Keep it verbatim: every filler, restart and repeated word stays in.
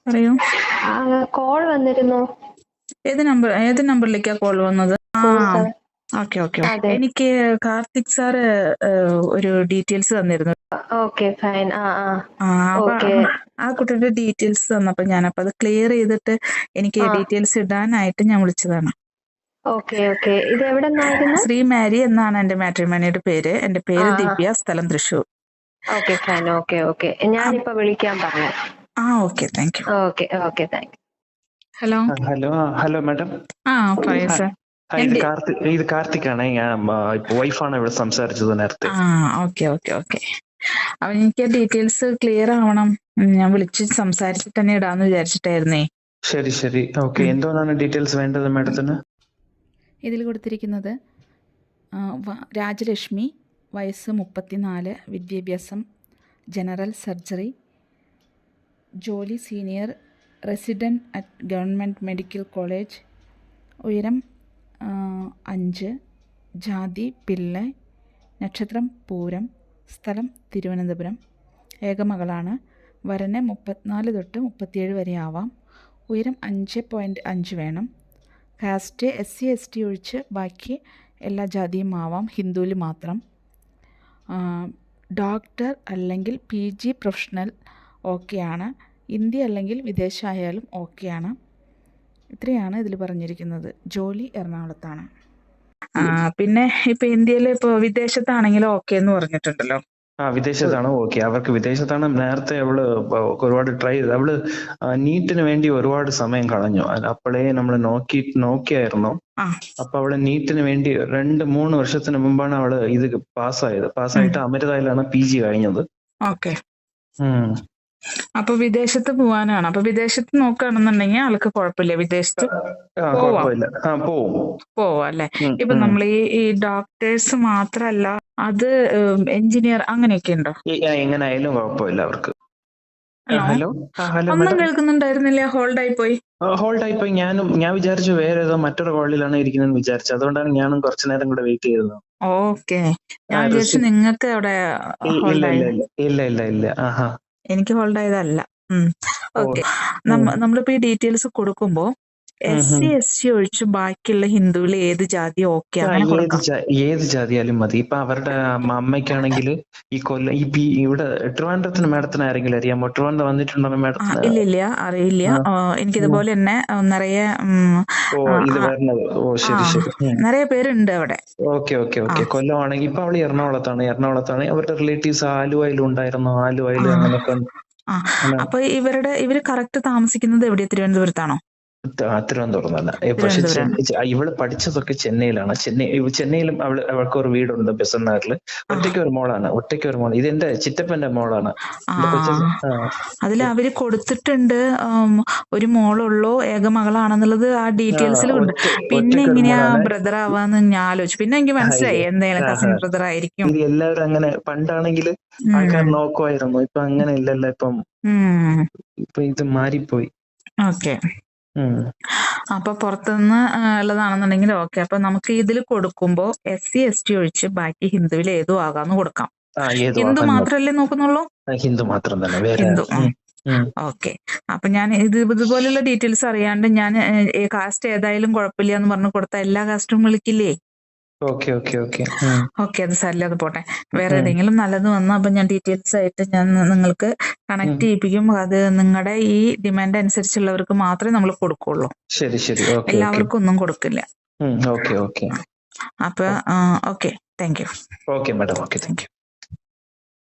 പറയൂ. കോൾ വന്നിരുന്നു. ഏത് നമ്പർ ഏത് നമ്പറിലേക്കാ കോൾ വന്നത്? ആ ഓക്കെ ഓക്കെ അതെ. എനിക്ക് കാർത്തിക് സാറ് ഒരു ഡീറ്റെയിൽസ് തന്നിരുന്നു. Okay fine. ആ ആ ആ അപ്പൊ ഓക്കെ. ആ കുട്ടിയുടെ ഡീറ്റെയിൽസ് തന്നപ്പോ ഞാനപ്പോ അത് ക്ലിയർ ചെയ്തിട്ട് എനിക്ക് ആ. ഡീറ്റെയിൽസ് ഇടാനായിട്ട് ഞാൻ വിളിച്ചതാണ്. Okay okay. ഇത് എവിടെ നിന്നായിരുന്നു? ശ്രീ മാരി എന്നാണ് എന്റെ മാട്രിമോണിയുടെ പേര്. എന്റെ പേര് ആ, ആ. ദിവ്യ, സ്ഥലം Thrissur. Okay fine. Okay okay. ഞാനിപ്പോ വിളിക്കാൻ പറഞ്ഞു. ആ okay thank you. Okay okay thank you. Hello hello hello madam. ആ പറയൂ സർ. ഇത് കാർത്തിക് ഇത് കാർത്തിക് ആണ്. ഞാൻ വൈഫാണ് ഇവിടെ സംസാരിച്ചത് നേരത്തെ. ആ ഓക്കെ ഓക്കെ ഓക്കെ. അപ്പൊ എനിക്ക് ഡീറ്റെയിൽസ് ക്ലിയർ ആവണം. ഞാൻ വിളിച്ച് സംസാരിച്ചിട്ട് തന്നെ ഇടാന്ന് വിചാരിച്ചിട്ടായിരുന്നേ. ശരി ശരി ഓക്കെ. എന്തോന്നാണ് ഡീറ്റെയിൽസ് വേണ്ടത് മാഡത്തിന്? ഇതിൽ കൊടുത്തിരിക്കുന്നത് രാജലക്ഷ്മി, വയസ്സ് മുപ്പത്തിനാല്, വിദ്യാഭ്യാസം ജനറൽ സർജറി, ജോലി senior resident at government medical college, ഉയരം അഞ്ച്, ജാതി പിള്ള, നക്ഷത്രം പൂരം, സ്ഥലം തിരുവനന്തപുരം, ഏകമകളാണ്. വരന് മുപ്പത്തിനാല് തൊട്ട് മുപ്പത്തിയേഴ് വരെ ആവാം. ഉയരം അഞ്ച് പോയിൻറ്റ് അഞ്ച് വേണം. Caste S C S T ഒഴിച്ച് ബാക്കി എല്ലാ ജാതിയും ആവാം, ഹിന്ദുവിൽ മാത്രം. ഡോക്ടർ അല്ലെങ്കിൽ പി ജി പ്രൊഫഷണൽ ഓക്കെയാണ്. ഹിന്ദി അല്ലെങ്കിൽ വിദേശമായാലും ഓക്കെയാണ്. ഇത്രയാണ് ഇതിൽ പറഞ്ഞിരിക്കുന്നത്. ജോലി എറണാകുളത്താണ്. പിന്നെ ഇപ്പൊ ഇന്ത്യയിൽ ഇപ്പൊ വിദേശത്താണെങ്കിലും ഓക്കെ എന്ന് പറഞ്ഞിട്ടുണ്ടല്ലോ. ആ വിദേശത്താണ് ഓക്കെ. അവർക്ക് വിദേശത്താണ്. നേരത്തെ അവള് ഒരുപാട് ട്രൈ ചെയ്തു. അവള് നീറ്റിന് വേണ്ടി ഒരുപാട് സമയം കളഞ്ഞു. അപ്പോഴേ നമ്മൾ നോക്കി നോക്കിയായിരുന്നു. അപ്പൊ അവള് നീറ്റിന് വേണ്ടി രണ്ട് മൂന്ന് വർഷത്തിന് മുമ്പാണ് അവള് ഇത് പാസ്സായത്. പാസ്സായിട്ട് അമൃതയിലാണ് പി ജി കഴിഞ്ഞത്. ഓക്കെ. അപ്പൊ വിദേശത്ത് പോവാനാണ്. അപ്പൊ വിദേശത്ത് നോക്കുകയാണെന്നുണ്ടെങ്കിൽ ആൾക്ക് കുഴപ്പമില്ല, വിദേശത്ത് പോവാ അല്ലെ. ഇപ്പൊ നമ്മൾ ഈ ഈ ഡോക്ടേഴ്സ് മാത്രല്ല, അത് എഞ്ചിനീയർ അങ്ങനെയൊക്കെ ഉണ്ടോ? എങ്ങനെയായാലും കുഴപ്പമില്ല അവർക്ക്. ഹലോ ഹലോ ഒന്നും കേൾക്കുന്നുണ്ടായിരുന്നില്ല, ഹോൾഡ് ആയി പോയി. ഹോൾഡ് ആയി പോയി. ഞാനും ഞാൻ വിചാരിച്ചു വേറെ ഏതോ മറ്റൊരു കോളിലാണ് ഇരിക്കുന്നതെന്ന് വിചാരിച്ചു. അതുകൊണ്ടാണ് ഞാനും കുറച്ചു നേരം കൂടെ വെയിറ്റ് ചെയ്തത്. ഓക്കെ. ഞാൻ വിചാരിച്ചു നിങ്ങൾക്ക് അവിടെ ഇല്ല ഇല്ല ഇല്ല ഇല്ല ഇല്ല ആഹാ എനിക്ക് ഹോൾഡ് ആയതല്ല. ഓക്കെ. നമ്മളിപ്പോ ഈ ഡീറ്റെയിൽസ് കൊടുക്കുമ്പോ എസ് സി എസ് ടി ഒഴിച്ച് ബാക്കിയുള്ള ഹിന്ദുവിൽ ഏത് ജാതി ഓക്കെ ഏത് ജാതിയാലും മതി. ഇപ്പൊ അവരുടെ അമ്മയ്ക്കാണെങ്കിൽ ഈ കൊല്ലം ഈ പി ഇവിടെ ട്രിവാൻഡ്രത്തിന് മാഡത്തിന് ആരെങ്കിലും അറിയാമോ? ട്രിവാൻഡ്രം വന്നിട്ടുണ്ടോ മാഡത്തിന്? ഇല്ല ഇല്ല അറിയില്ല. എനിക്കിതുപോലെ തന്നെ നിറയെ നിറയെ പേരുണ്ട് അവിടെ. Okay okay okay. കൊല്ലം ആണെങ്കിൽ ഇപ്പൊ അവള് എറണാകുളത്താണ്. എറണാകുളത്താണ് അവരുടെ റിലേറ്റീവ്സ് ആലുവയിലും ഉണ്ടായിരുന്നു. ആലുവയില് അങ്ങനെയൊക്കെ. അപ്പൊ ഇവരുടെ ഇവര് കറക്റ്റ് താമസിക്കുന്നത് എവിടെയാ? തിരുവനന്തപുരത്താണോ? തിരുവനന്തപുരം തന്നെ. പക്ഷെ ഇവള് പഠിച്ചതൊക്കെ ചെന്നൈയിലാണ്. ചെന്നൈ ചെന്നൈയിലും അവള് അവൾക്ക് ഒരു വീടുണ്ട് ബെസന്നാറില്. ഒറ്റയ്ക്ക് ഒരു മോളാണ്. ഒറ്റയ്ക്ക് ഒരു മോൾ. ഇതെന്റെ ചിറ്റപ്പന്റെ മോളാണ്. അതിൽ അവര് കൊടുത്തിട്ടുണ്ട് ഒരു മോളുള്ളൂ, ഏകമകളാണെന്നുള്ളത് ആ ഡീറ്റെയിൽസിലുണ്ട്. പിന്നെ എങ്ങനെയാ ബ്രദർ ആവാന്ന് ഞാൻ ആലോചിച്ചു. പിന്നെ എനിക്ക് മനസ്സിലായി എന്തായാലും കസിൻ ബ്രദർ ആയിരിക്കും. ഇത് എല്ലാവരും അങ്ങനെ പണ്ടാണെങ്കിൽ ആൾക്കാർ നോക്കുമായിരുന്നു. ഇപ്പൊ അങ്ങനെ ഇല്ലല്ലോ. ഇപ്പം ഇപ്പൊ ഇത് മാറിപ്പോയി. ഓക്കെ. അപ്പൊ പുറത്തുനിന്ന് ഉള്ളതാണെന്നുണ്ടെങ്കിൽ ഓക്കെ. അപ്പൊ നമുക്ക് ഇതിൽ കൊടുക്കുമ്പോ എസ് സി എസ് ടി ഒഴിച്ച് ബാക്കി ഹിന്ദുവിൽ ഏതും ആകാന്ന് കൊടുക്കാം. ഹിന്ദു മാത്രല്ലേ നോക്കുന്നുള്ളൂ? ഹിന്ദു മാത്രം തന്നെ. ഹിന്ദു. ഓക്കെ. അപ്പൊ ഞാൻ ഇത് ഇതുപോലുള്ള ഡീറ്റെയിൽസ് അറിയാണ്ട് ഞാൻ കാസ്റ്റ് ഏതായാലും കുഴപ്പമില്ല എന്ന് പറഞ്ഞു കൊടുത്ത എല്ലാ കാസ്റ്റും വിളിക്കില്ലേ? Okay okay okay okay. അത് സാരില്ല, അത് പോട്ടെ. വേറെ ഏതെങ്കിലും നല്ലത് വന്നു അപ്പൊ ഞാൻ ഡീറ്റെയിൽസ് ആയിട്ട് ഞാൻ നിങ്ങൾക്ക് കണക്ട് ചെയ്യിപ്പിക്കും. അത് നിങ്ങളുടെ ഈ ഡിമാൻഡ് അനുസരിച്ചുള്ളവർക്ക് മാത്രമേ നമ്മൾ കൊടുക്കുള്ളൂ. ശരി ശരി. എല്ലാവർക്കും ഒന്നും കൊടുക്കില്ല. Okay okay. അപ്പൊ okay. Thank you. Okay madam. Okay thank U.